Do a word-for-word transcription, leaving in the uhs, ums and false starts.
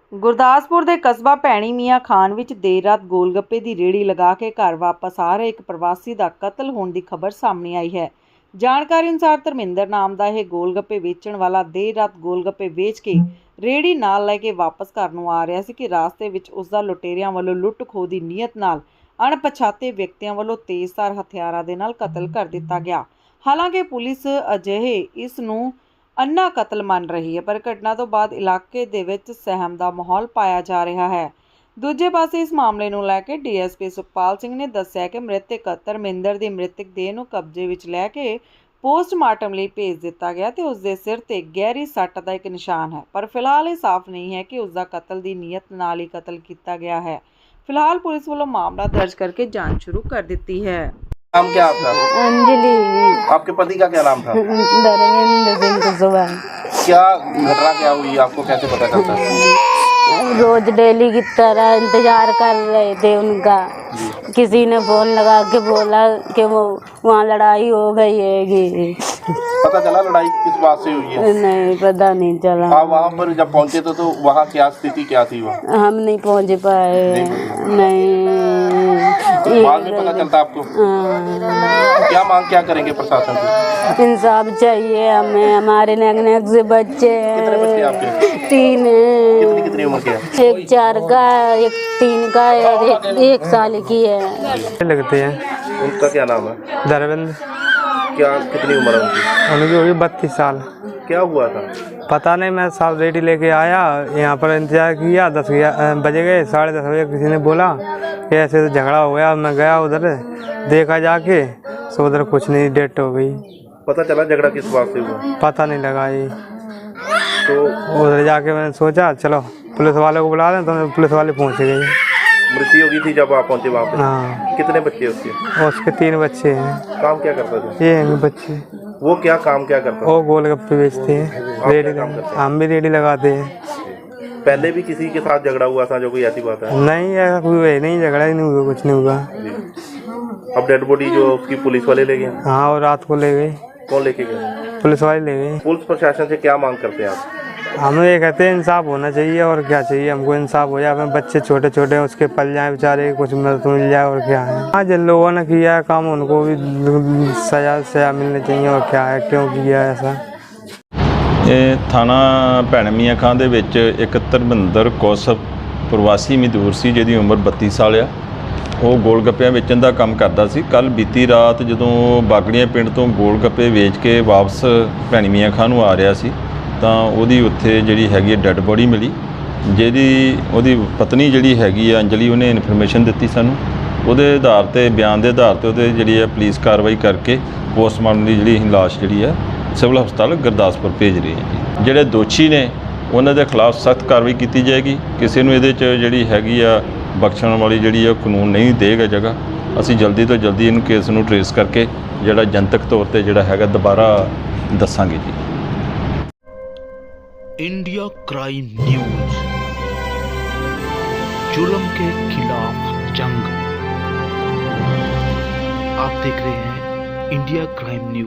ਗੁਰਦਾਸਪੁਰ ਦੇ ਕਸਬਾ ਭੈਣੀ ਮੀਆਂ ਖਾਨ ਵਿੱਚ ਦੇਰ ਰਾਤ ਗੋਲਗੱਪੇ ਦੀ ਰੇਹੜੀ ਲਗਾ ਕੇ ਘਰ ਵਾਪਸ ਆ ਰਹੇ ਇੱਕ ਪ੍ਰਵਾਸੀ ਦਾ ਕਤਲ ਹੋਣ ਦੀ ਖਬਰ ਸਾਹਮਣੇ ਆਈ ਹੈ। ਜਾਣਕਾਰੀ ਅਨੁਸਾਰ ਧਰਮਿੰਦਰ ਨਾਮ ਦਾ ਇਹ ਗੋਲਗੱਪੇ ਵੇਚਣ ਵਾਲਾ ਦੇਰ ਰਾਤ ਗੋਲਗੱਪੇ ਵੇਚ ਕੇ ਰੇਹੜੀ ਨਾਲ ਲੈ ਕੇ ਵਾਪਸ ਘਰ ਨੂੰ ਆ ਰਿਹਾ ਸੀ ਕਿ ਰਾਸਤੇ ਵਿੱਚ ਉਸ ਦਾ ਲੁਟੇਰਿਆਂ ਵੱਲੋਂ ਲੁੱਟ ਖੋਹ ਦੀ ਨੀਅਤ ਨਾਲ ਅਣਪਛਾਤੇ ਵਿਅਕਤੀਆਂ ਵੱਲੋਂ ਤੇਜ਼ਧਾਰ ਹਥਿਆਰਾਂ ਦੇ ਨਾਲ ਕਤਲ ਕਰ ਦਿੱਤਾ ਗਿਆ। ਹਾਲਾਂਕਿ ਪੁਲਿਸ ਅਜਿਹੇ ਇਸ ਨੂੰ ਅੰਨਾ ਕਤਲ ਮੰਨ ਰਹੀ ਹੈ, ਪਰ ਘਟਨਾ ਤੋਂ ਬਾਅਦ ਇਲਾਕੇ ਦੇ ਵਿੱਚ ਸਹਿਮ ਦਾ ਮਾਹੌਲ ਪਾਇਆ ਜਾ ਰਿਹਾ ਹੈ। ਦੂਜੇ ਪਾਸੇ ਇਸ ਮਾਮਲੇ ਨੂੰ ਲੈ ਕੇ D S P Sukhpal Singh ਨੇ ਦੱਸਿਆ ਕਿ ਮ੍ਰਿਤਕ ਧਰਮਿੰਦਰ ਦੀ ਮ੍ਰਿਤਕ ਦੇਹ ਨੂੰ ਕਬਜ਼ੇ ਵਿੱਚ ਲੈ ਕੇ ਪੋਸਟਮਾਰਟਮ ਲਈ ਭੇਜ ਦਿੱਤਾ ਗਿਆ ਤੇ ਉਸ ਦੇ ਸਿਰ ਤੇ ਗਹਿਰੀ ਸੱਟ ਦਾ ਇੱਕ ਨਿਸ਼ਾਨ ਹੈ, ਪਰ ਫਿਲਹਾਲ ਇਹ ਸਾਫ਼ ਨਹੀਂ ਹੈ ਕਿ ਉਸ ਦਾ ਕਤਲ ਦੀ ਨੀਅਤ ਨਾਲ ਹੀ ਕਤਲ ਕੀਤਾ ਗਿਆ ਹੈ। फिलहाल पुलिस वालों मामला दर्ज करके जांच शुरू कर दी है। नाम क्या आपका? अंजलि। आपके पति का क्या नाम था? धर्मेंद्र सिंह कुशवाहा। क्या घटना क्या हुई, आपको कैसे पता चलता है? रोज डेली की तरह इंतजार कर रहे थे उनका। किसी ने फोन लगा के बोला कि वो वहाँ लड़ाई हो गई है। पता चला लड़ाई किस बात से हुई है? नहीं पता नहीं चला। आप वहाँ पर जब पहुँचे तो, तो वहाँ क्या स्थिति क्या थी? वहाँ हम नहीं पहुँच पाए। नहीं बाद में पता चलता आपको? क्या मांग क्या करेंगे प्रशासन से? इंसाफ चाहिए हमें। हमारे नेक नेक से बच्चे हैं। कितने बच्चे आपके? तीन हैं। कितनी कितनी उम्र के हैं? एक चार का है, एक तीन का है और एक, एक साल की है। लगते हैं। उनका क्या नाम है? धर्मेंद्र। क्या कितनी उम्र है उनकी? उनकी होगी बत्तीस साल। क्या हुआ था? पता नहीं, मैं साल रेडी लेके आया, यहाँ पर इंतजार किया, दस बजे गए, साढ़े दस बजे किसी ने बोला कि ऐसे तो झगड़ा हो गया। मैं गया उधर, देखा जाके सो उधर कुछ नहीं, डेट हो गई। पता चला झगड़ा किस बात से हुआ? पता नहीं लगा ये। तो उधर जाके मैंने सोचा चलो पुलिस वाले को बुला दें, तो पुलिस वाले पहुँच गए। मृत्यु हो गई थी जब आप पहुँचे वहाँ पे? हाँ। कितने बच्चे उसके? और उसके तीन बच्चे हैं। काम क्या करते थे ये हैं बच्चे। वो? क्या काम क्या करता? वो गोलगप्पे बेचते हैं, रेडी। हम भी रेडी लगाते हैं। पहले भी किसी के साथ झगड़ा हुआ था जो कोई ऐसी बात है? नहीं, ऐसा कोई है नहीं, झगड़ा ही नहीं हुआ, कुछ नहीं हुआ। अब डेड बॉडी जो उसकी पुलिस वाले ले गए? हाँ, और रात को ले गए। कौन लेके गए? पुलिस वाले ले गए। पुलिस प्रशासन से क्या मांग करते हैं आप? हम ये कहते हैं इंसाफ होना चाहिए, और क्या चाहिए हमको, इंसाफ हो जाए। अपने बच्चे छोटे छोटे हैं, उसके पल जाए बेचारे, कुछ मदद मिल जाए, और क्या है। हाँ, जिन लोगों ने किया है काम उनको भी सजा सजा मिलनी चाहिए, और क्या है, क्यों किया ऐसा। ਇਹ ਥਾਣਾ ਭੈਣ ਮੀਆਂ ਖਾਂ ਦੇ ਵਿੱਚ ਇੱਕ ਧਰਮਿੰਦਰ ਕੌਸ਼ਪ ਪ੍ਰਵਾਸੀ ਮਜ਼ਦੂਰ ਸੀ, ਜਿਹਦੀ ਉਮਰ ਬੱਤੀ ਸਾਲ ਆ। ਉਹ ਗੋਲ ਗੱਪਿਆਂ ਵੇਚਣ ਦਾ ਕੰਮ ਕਰਦਾ ਸੀ। ਕੱਲ੍ਹ ਬੀਤੀ ਰਾਤ ਜਦੋਂ ਬਾਗੜੀਆਂ ਪਿੰਡ ਤੋਂ ਗੋਲ ਗੱਪੇ ਵੇਚ ਕੇ ਵਾਪਸ ਭੈਣ ਮੀਆਂ ਖਾਂ ਨੂੰ ਆ ਰਿਹਾ ਸੀ, ਤਾਂ ਉਹਦੀ ਉੱਥੇ ਜਿਹੜੀ ਹੈਗੀ ਡੈੱਡ ਬੋਡੀ ਮਿਲੀ, ਜਿਹਦੀ ਉਹਦੀ ਪਤਨੀ ਜਿਹੜੀ ਹੈਗੀ ਆ ਅੰਜਲੀ, ਉਹਨੇ ਇਨਫੋਰਮੇਸ਼ਨ ਦਿੱਤੀ ਸਾਨੂੰ। ਉਹਦੇ ਆਧਾਰ 'ਤੇ, ਬਿਆਨ ਦੇ ਆਧਾਰ 'ਤੇ ਉਹਦੇ ਜਿਹੜੀ ਹੈ ਪੁਲਿਸ ਕਾਰਵਾਈ ਕਰਕੇ ਪੋਸਟਮਾਰਟਮ ਦੀ ਜਿਹੜੀ ਲਾਸ਼ ਜਿਹੜੀ ਹੈ ਸਿਵਲ ਹਸਪਤਾਲ ਗੁਰਦਾਸਪੁਰ ਭੇਜ ਰਹੀ ਹੈ ਜੀ। ਜਿਹੜੇ ਦੋਸ਼ੀ ਨੇ ਉਹਨਾਂ ਦੇ ਖਿਲਾਫ ਸਖਤ ਕਾਰਵਾਈ ਕੀਤੀ ਜਾਏਗੀ। ਕਿਸੇ ਨੂੰ ਇਹਦੇ 'ਚ ਜਿਹੜੀ ਹੈਗੀ ਆ ਬਖਸ਼ਣ ਵਾਲੀ ਜਿਹੜੀ ਆ ਕਾਨੂੰਨ ਨਹੀਂ ਦੇਗਾ ਜਗ੍ਹਾ। ਅਸੀਂ ਜਲਦੀ ਤੋਂ ਜਲਦੀ ਇਹਨੂੰ ਕੇਸ ਨੂੰ ਟਰੇਸ ਕਰਕੇ ਜਿਹੜਾ ਜਨਤਕ ਤੌਰ 'ਤੇ ਜਿਹੜਾ ਹੈਗਾ ਦੁਬਾਰਾ ਦੱਸਾਂਗੇ ਜੀ। इंडिया क्राइम न्यूज, जुल्म के खिलाफ जंग। आप देख रहे हैं इंडिया क्राइम न्यूज।